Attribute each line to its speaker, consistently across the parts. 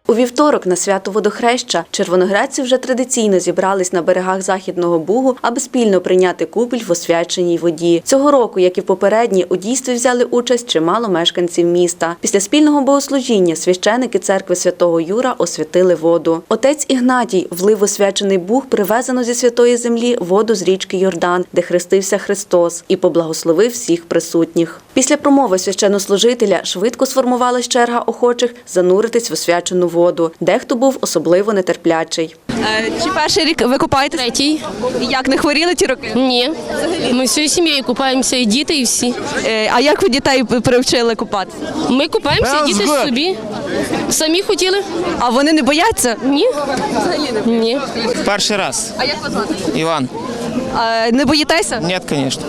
Speaker 1: У вівторок на свято Водохреща червоноградці вже традиційно зібрались на берегах Західного Бугу, аби спільно прийняти купіль в освяченій воді. Цього року, як і попередні, у дійстві взяли участь чимало мешканців міста. Після спільного богослужіння священики церкви Святого Юра освятили воду. Отець Ігнатій влив в освячений Буг привезену зі Святої Землі воду з річки Йордан, де хрестився Христос, і поблагословив всіх присутніх. Після промови священнослужителя швидко сформувалась черга охочих зануритись в освячену воду. Дехто був особливо нетерплячий.
Speaker 2: Чи перший рік ви купаєтесь?
Speaker 3: Третій.
Speaker 2: Як, не хворіли ті роки?
Speaker 3: Ні. Ми всією сім'єю купаємося, і діти, і всі.
Speaker 2: А як ви дітей привчили купатися?
Speaker 3: Ми купаємося, і діти собі. Самі хотіли?
Speaker 2: А вони не бояться?
Speaker 3: Ні. Ні.
Speaker 4: Перший раз.
Speaker 2: А як вас звати?
Speaker 4: Іван.
Speaker 2: Не боїтеся?
Speaker 4: Ні, звісно.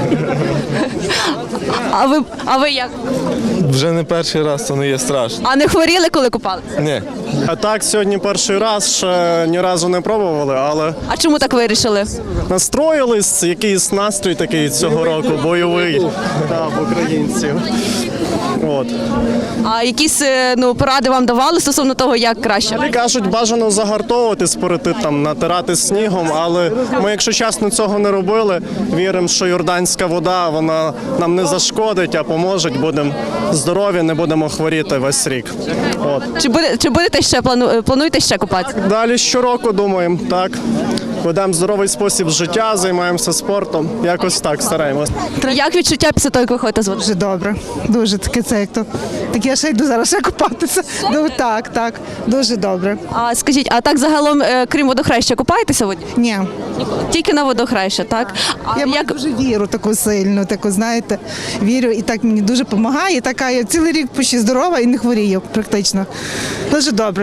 Speaker 2: А ви як?
Speaker 5: Вже не перший раз, то не є страшно.
Speaker 2: А не хворіли, коли купалися?
Speaker 5: Ні.
Speaker 6: А так, сьогодні перший раз, ще ні разу не пробували, але
Speaker 2: А чому так вирішили?
Speaker 6: настроїлись, якийсь настрій такий цього року, бойовий, в українців. От.
Speaker 2: А якісь поради вам давали стосовно того, як краще?
Speaker 6: Кажуть, бажано загартовуватись перед тим, там, натирати снігом, але ми, якщо чесно, цього не робили. Віримо, що йорданська вода, вона нам не зашкодить, а поможе, будемо здорові, не будемо хворіти весь рік. От.
Speaker 2: Чи будете ще плануєте ще купатися?
Speaker 6: Далі щороку думаємо, так. Ведемо здоровий спосіб життя, займаємося спортом. Якось так стараємось.
Speaker 2: Як відчуття після того, як виходите з води?
Speaker 7: Дуже добре, дуже таке це як то. Так я ще йду зараз ще купатися. Ну, так, дуже добре.
Speaker 2: А скажіть, а так загалом, крім водохреща, купаєтеся в воді?
Speaker 7: Ні,
Speaker 2: Тільки на водохреща, так? А
Speaker 7: я маю дуже віру таку сильну, таку, знаєте, вірю і так мені дуже допомагає. Така я цілий рік почти здорова і не хворію практично. Дуже добре.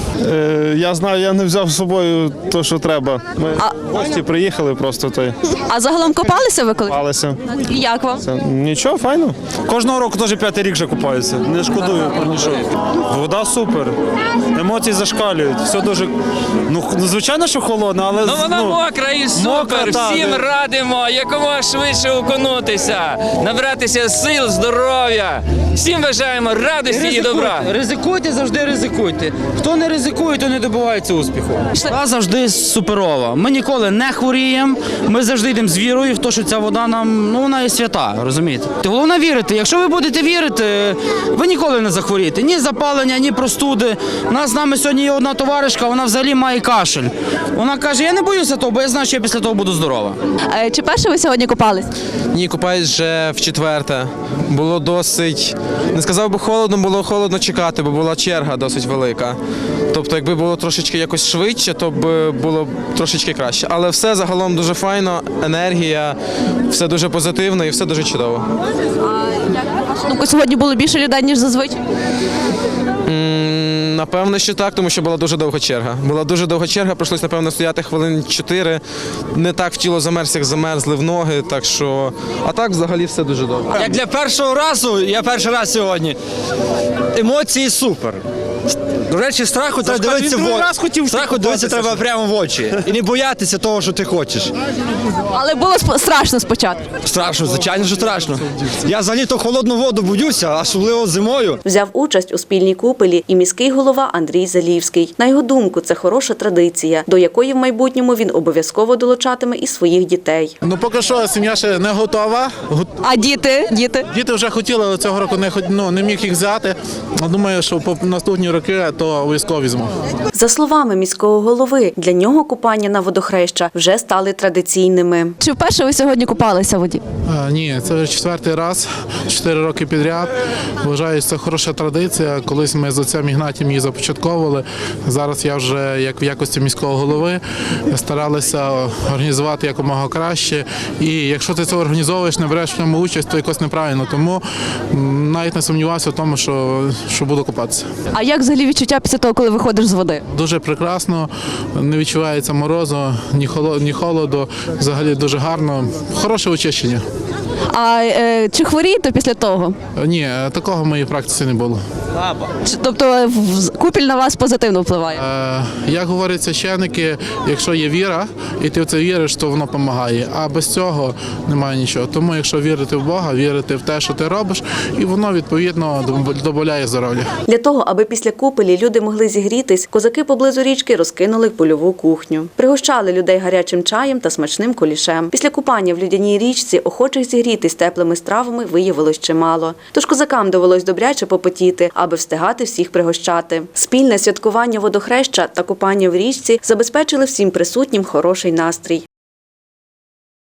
Speaker 5: Я знаю, я не взяв з собою те, що треба. Ми в гості приїхали просто
Speaker 2: А загалом купалися ви коли?
Speaker 5: палися.
Speaker 2: І як вам?
Speaker 5: Нічого, файно.
Speaker 8: Кожного року теж п'ятий рік вже купаюся. Не шкодую про нічого. Вода супер. Емоції зашкалюють. Все дуже. Ну, звичайно, що холодно, але.
Speaker 9: Ну вона мокра і супер.
Speaker 8: мокра,
Speaker 9: Всім
Speaker 8: так.
Speaker 9: радимо якомога швидше окунутися, набратися сил, здоров'я. Всім бажаємо радості і добра.
Speaker 4: Ризикуйте, завжди ризикуйте. Хто не ризикує, то не добивається успіху. Вода завжди суперова. Ми ніколи не хворіємо, ми завжди йдемо з вірою в те, що ця вода нам, вона є свята, розумієте? Головне вірити. Якщо ви будете вірити, ви ніколи не захворієте. Ні запалення, ні простуди. У нас з нами сьогодні є одна товаришка, вона взагалі має кашель. Вона каже, я не боюся того, бо я знаю, що я після того буду здорова.
Speaker 2: Чи перше ви сьогодні купались?
Speaker 10: Ні, купаюсь вже в-четверте. Було досить, не сказав би холодно, було холодно чекати, бо була черга досить велика. Тобто, якби було трошечки якось швидше, то б було трошечки краще. Але все загалом дуже файно, енергія, все дуже позитивно і все дуже чудово.
Speaker 2: Ну, сьогодні було більше людей, ніж зазвичай.
Speaker 10: Напевно, що так, тому що була дуже довга черга. Була дуже довга черга, прийшлось, напевно, стояти хвилин 4. Не так в тіло замерз, як замерзли в ноги, так що... А так, взагалі, все дуже добре.
Speaker 4: Як для першого разу, я перший раз сьогодні, емоції супер. До речі, страху треба дивитися в очі. Страху дивитися треба прямо в очі. І не боятися того, що ти хочеш.
Speaker 2: Але було страшно спочатку.
Speaker 4: Страшно, звичайно, що страшно. Я взагалі то холодну воду боюся, особливо зимою.
Speaker 1: Взяв участь у спільній купелі і міський голова Андрій Залівський. На його думку, це хороша традиція, до якої в майбутньому він обов'язково долучатиме і своїх дітей.
Speaker 11: Ну поки що сім'я ще не готова.
Speaker 2: А діти?
Speaker 11: Діти вже хотіли, але цього року не міг їх взяти. Думаю, що по наступні роки то обов'язково візьму.
Speaker 1: За словами міського голови, для нього купання на водохреща вже стали традиційними.
Speaker 2: Чи вперше ви сьогодні купалися в воді?
Speaker 11: Ні, це вже 4-й раз, 4 роки підряд. Вважаю, це хороша традиція. Колись ми з отцем Ігнатієм її започатковували. Зараз я вже, як в якості міського голови, старалися організувати якомога краще. І якщо ти це організовуєш, не береш в ньому участь, то якось неправильно. Тому навіть не сумнівався в тому, що буду купатися.
Speaker 2: А як взагалі відчуття після того, коли виходиш з води?
Speaker 11: Дуже прекрасно, не відчувається морозу, ні холоду, взагалі дуже гарно, хороше очищення.
Speaker 2: А чи хворієте після того?
Speaker 11: Ні, такого в моїй практиці не було.
Speaker 2: Тобто купіль на вас позитивно впливає?
Speaker 11: Як говорять священики, якщо є віра, і ти в це віриш, то воно допомагає. А без цього немає нічого. Тому якщо вірити в Бога, вірити в те, що ти робиш, і воно, відповідно, додає здоров'я.
Speaker 1: Для того, аби після купелі люди могли зігрітись, козаки поблизу річки розкинули польову кухню. Пригощали людей гарячим чаєм та смачним кулішем. Після купання в людяній річці охочих зігрітись теплими стравами виявилось чимало. Тож козакам довелось добряче попотіти, аби встигати всіх пригощати. Спільне святкування водохреща та купання в річці забезпечили всім присутнім хороший настрій.